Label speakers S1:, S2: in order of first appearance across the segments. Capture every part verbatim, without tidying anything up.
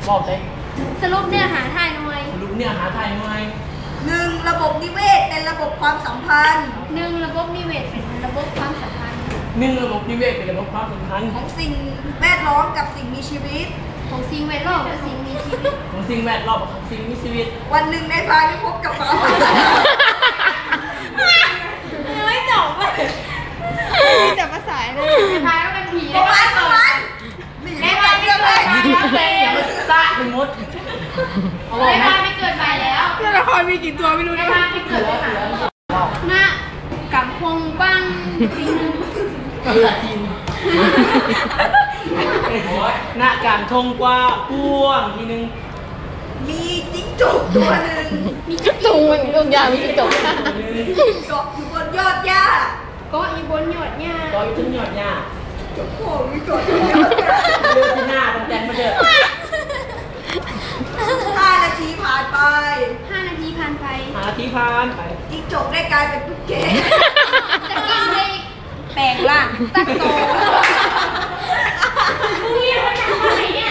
S1: บอกได้
S2: สรุปเนื้อหาไทยหน่อย
S1: สรุปเนื้อหาไทยหน่อย
S3: หนึ่งระบบนิเวศเป็นระบบความสัมพันธ์
S2: หนึ่งระบบนิเวศเป็นระบบความสัมพันธ์
S1: หนึ่งระบบนิเวศเป็นระบบความสัมพันธ์
S3: ของสิ่งแวดล้อมกับสิ่งมีชีวิต
S2: ของสิ่งแวดล้อมกับสิ่งมีชีวิต
S1: ของสิ่งแวดล้อมกับสิ่งมีชีวิต
S3: วันหนึ่งในพาได้พบกับเขา
S2: ไม่จบเลยมีแต่ภาษาเลยในพายก็เป็นผี
S3: ประมาณประมาณ
S2: ในพายไม่เกิดใหม่แล้วเลย
S1: อย่ามาซ่าเป็นมด
S2: ในพายไม่เกิดใหม่แล้ว
S4: ตัวละครมีกี่ตัวไม่รู้
S2: ในพายไม่เกิดเลยหน้ากำพงบ้างจริง
S1: กำลังจริงหน้าการทงกว่าพ่วงทีนึง
S3: มีจิ้งจกตัวหนึ่ง
S2: มีจิ้งจกมันก็ยาวมีจิ้งจก
S3: เกาะอยู่บนยอดหญ้า
S2: เกาะอยู่บนยอดหญ้า
S1: เกาะอยู่บนยอดหญ้า
S3: จกโผล่มีเกาะอยู่บนยอดหญ้า
S1: เลือดที่หน้าตรงแจนมาเด้อ
S3: ห้านาทีผ่านไป
S2: ห้านาทีผ่านไป
S1: ห้านาทีผ่านไป
S3: จิ้งจกได้กลายเป็นตุ๊กแก
S2: จะกินได้แปลงร่างตั้งโตมึงเรียกว่าอะไรเนี่ย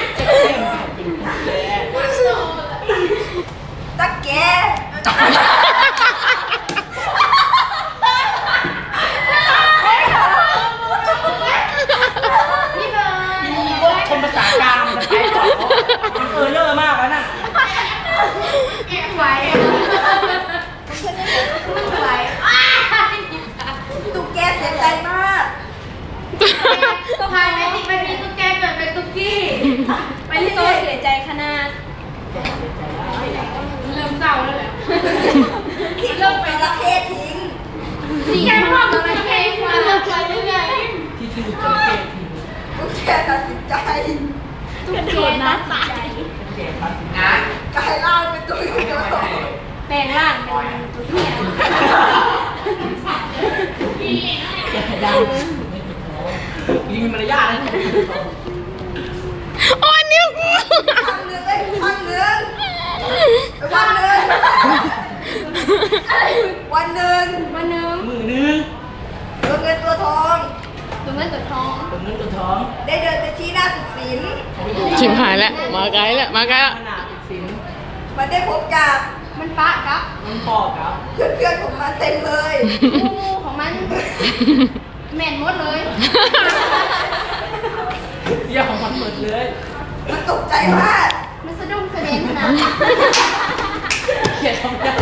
S3: ตะแก
S2: นี่เบอร์
S1: คนภาษากลางมันใช้ต่อมันเออเลอร์มากแล้วน่ะ
S2: แอบไหวไหว
S3: ตุ๊กแกเสียใจมาก
S2: ก็พายไม่ติดไม่มีตุ๊กแกเกิดเป็นตุ๊กกี้ไปที่โตเสียใจขนาดเริ่มเศร้าแล้วแหละ
S3: ที่เริ่มไปละเพศทิ้ง
S2: สีแก้มพ่อตุ๊กแกมาเลิกไปได้ไง
S1: ที่ที่ตุ๊กแกทิ้ง
S3: ตุ๊กแกตัดสินใจ
S2: ตุ๊กแกตัดสินใจ
S3: นะกลายร่างเป็นตัวเดียว
S2: แปลงร่างเป็นตุ๊กแก
S1: ดังยิงมารยาทนะ
S4: โอ้ยนิ้วกู
S3: ข้างหนึ่งเลยข้างหนึ่งวันหนึ่งวันหนึ่ง
S2: วันหนึ่ง
S1: มือหนึ่ง
S3: ตัวเงินตัวทอง
S2: ตัวเงินตัวทอง
S1: ตัวเงินตัวทอง
S3: ได้เดินไปที่หน้าตึกศิลป์
S4: ชิมหายแล้วมาไกลแล้วมาไกลแล้ว
S3: มันได้พบกับ
S2: มันปะครับ
S1: มันปอกครับ
S3: เพื่อนๆของมันเต็มเลย
S2: งูของมันแม่นหมดเลย
S1: เยี่ยของมันหมดเลย
S3: มันตกใจมาก
S2: มันสะดุ้งสะเด็นนะ
S1: เขียนทำกัน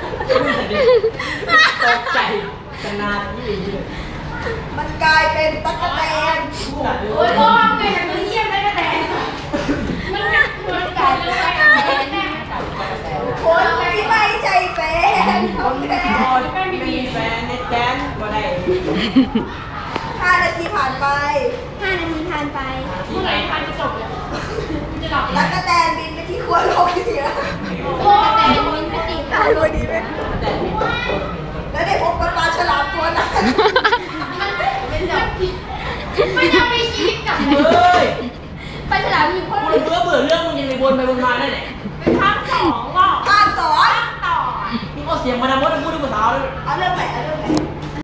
S1: ตกใจขนาดนี้
S3: มันกลายเป็นตั๊กแตน
S2: โอ้ยพ่อเป็นอย่างนี้เยี่ยมได้กระแตนมันหนักมันกลายเป็นตั๊กแตนแน่
S3: คนที่ไม่ใช่แฟนของแทน
S1: ไม่มีแฟนในแจนบ่ได้
S3: ห้านาทีผ่านไป
S2: ห้านาทีผ่านไปเมื่อไหร่ผ่านจะจบเลยจะหลับ
S3: ตั๊กแตนบินไปที่ขั้วโลกเหนือ
S2: โอ้แต่บินไปติด
S3: ได้พอดีไหมแล้วได้พบกับปลาฉลามตัวนั้น
S2: มันยังมีชีวิตกับ
S1: เลย
S2: ปลาฉลามอยู่คน
S1: เบื่อเบื่อเรื่องมึงยังไปวนไปวนมาได้ไหน
S2: เป็นภาคสองหรอ
S3: ภาคสอง
S2: ต่อ
S1: นี่เอาเสียงมาดามดพูดด้วยภาษาเลย
S3: เอาเรื่องไหนเอาเรื่องไหน